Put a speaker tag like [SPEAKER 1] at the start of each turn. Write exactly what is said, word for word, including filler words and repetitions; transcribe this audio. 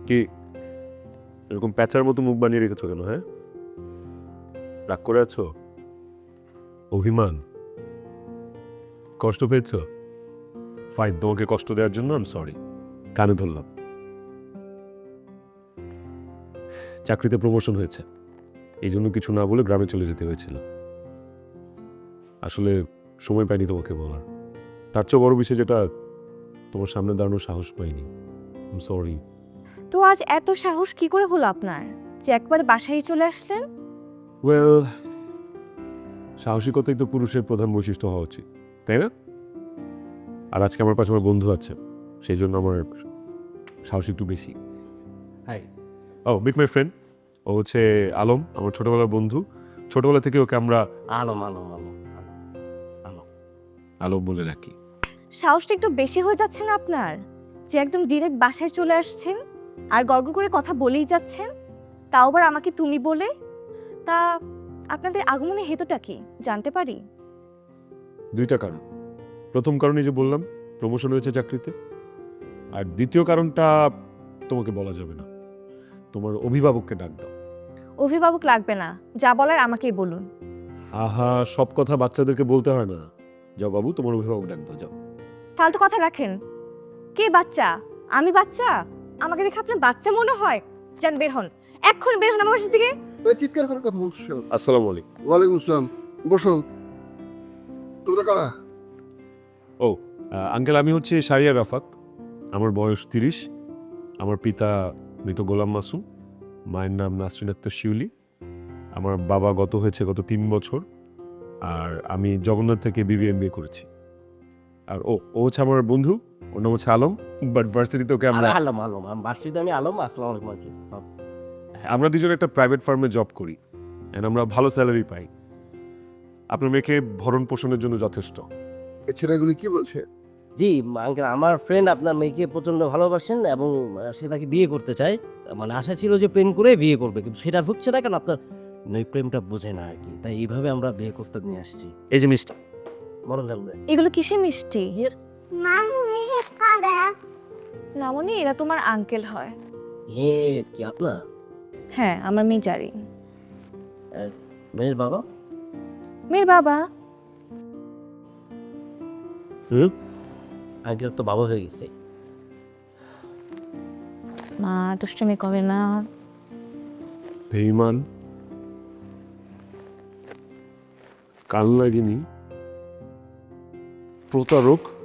[SPEAKER 1] কি এরকম প্যাচার মতো মুখ বানিয়ে রেখেছো কেন? হ্যাঁ, রাগ করে আছো? অভিমান? কষ্ট পেয়েছ? ফাইন, তোমাকে কষ্ট দেওয়ার জন্য আমি সরি, কানে ধরলাম। চাকরিতে প্রমোশন হয়েছে, এই জন্য কিছু না বলে গ্রামে চলে যেতে হয়েছিল। আসলে সময় পাইনি তোমাকে বলার। তার চেয়ে বড় বিষয় যেটা, তোমার সামনে দাঁড়ানোর সাহস পাইনি। সরি।
[SPEAKER 2] তো আজ এত সাহস কি করে হলো আপনার যে একবারে বাসায় চলে আসলেন?
[SPEAKER 1] ওয়েল, সাহসিকতাই তো পুরুষের প্রধান বৈশিষ্ট্য হওয়া উচিত, তাই না? আর আজকে আমার পাশে আমার বন্ধু আছে, সেই জন্য আমার সাহস একটু বেশি। হাই, ও মিট মাই ফ্রেন্ড। ও হচ্ছে আলম, আমার ছোটবেলার বন্ধু। ছোটবেলা থেকে ওকে আমরা
[SPEAKER 3] আলম আলম আলম আলম
[SPEAKER 1] আলম বলে রাখি।
[SPEAKER 2] সাহসটা একটু বেশি হয়ে যাচ্ছে না আপনার? যে একদম ডিরেক্ট বাসায় চলে আসছেন আর গর্ব করে কথা বলেই যাচ্ছেন, তাও আবার আমাকে তুমি বলে। তা আপনাদের আগমনের হেতুটা কি জানতে পারি?
[SPEAKER 1] দুইটা কারণ। প্রথম কারণে যে বললাম, প্রমোশন হয়েছে চাকরিতে। আর দ্বিতীয় কারণটা তোমাকে বলা যাবে না, তোমার অভিভাবককে ডাক দাও।
[SPEAKER 2] অভিভাবক লাগবে না, যা বলার আমাকেই বলুন।
[SPEAKER 1] আহা, সব কথা বাচ্চাদেরকে বলতে হয় না। যাও বাবু, তোমার অভিভাবক ডাক দাও, যাও।
[SPEAKER 2] ফালতু কথা রাখেন। কে বাচ্চা? আমি বাচ্চা? আমাকে দেখে আপনার বাচ্চা মনে হয়? যান বের হন, এক্ষুনি বের হন আমার বাসা থেকে।
[SPEAKER 4] ওই চিৎকার করে কথা বলছো।
[SPEAKER 1] আসসালামু আলাইকুম।
[SPEAKER 4] ওয়ালাইকুম আসসালাম, বসো। তোমরা কারা?
[SPEAKER 1] ও আঙ্কেল, আমি হচ্ছে শারিয়া রাফাত। আমার বয়স তিরিশ। আমার পিতা মৃত গোলাম মাসুম, মায়ের নাম নাসরিন আক্তার শিউলি। আমার বাবা গত হয়েছে গত তিন বছর। আর আমি জগন্নাথ থেকে বিবি এম বি এ করেছি। আর ও ও হচ্ছে আমার বন্ধু, ওর নাম হচ্ছে আলম, বাট ভার্সিটিতে ওকে আমরা
[SPEAKER 3] আলম আলম আমি বার্ষিক আমি আলম আসসালামু আলাইকুম আঙ্কেল।
[SPEAKER 1] আমরা দুজন একটা প্রাইভেট ফার্মে জব করি, এন্ড আমরা ভালো স্যালারি পাই। আপনার মেয়েকে ভরণ পোষণের জন্য যথেষ্ট।
[SPEAKER 4] এই ছেলেগুলি কি বলছে?
[SPEAKER 3] জি আঙ্কেল, আমার ফ্রেন্ড আপনার মেয়েকে প্রচন্ড ভালোবাসেন এবং আহ, সে তাকে বিয়ে করতে চায়। মানে আশা ছিল যে প্রেম করে বিয়ে করবে, কিন্তু সেটা হচ্ছে না, কারণ আপনার ওই প্রেমটা বোঝে না আর কি। তাই এইভাবে আমরা বিয়ে করতে নিয়ে আসছি। এই যে মিষ্টি মরণ জানবে।
[SPEAKER 2] এগুলো কিসে মিষ্টি?
[SPEAKER 5] মামুনি কাঁদা
[SPEAKER 2] নামনি, এরা তোমার আঙ্কেল হয়।
[SPEAKER 3] হে কি আপনার
[SPEAKER 2] হ্যাঁ, আমার মেয়ে জারি।
[SPEAKER 3] মেয়ের বাবা?
[SPEAKER 2] মেয়ের বাবা।
[SPEAKER 3] হুম, আঙ্কেল তো বাবা হয়ে গেছে।
[SPEAKER 2] মা দুষ্টুমি করে না।
[SPEAKER 1] বেঈমান, কান লাগেনি, প্রতারক,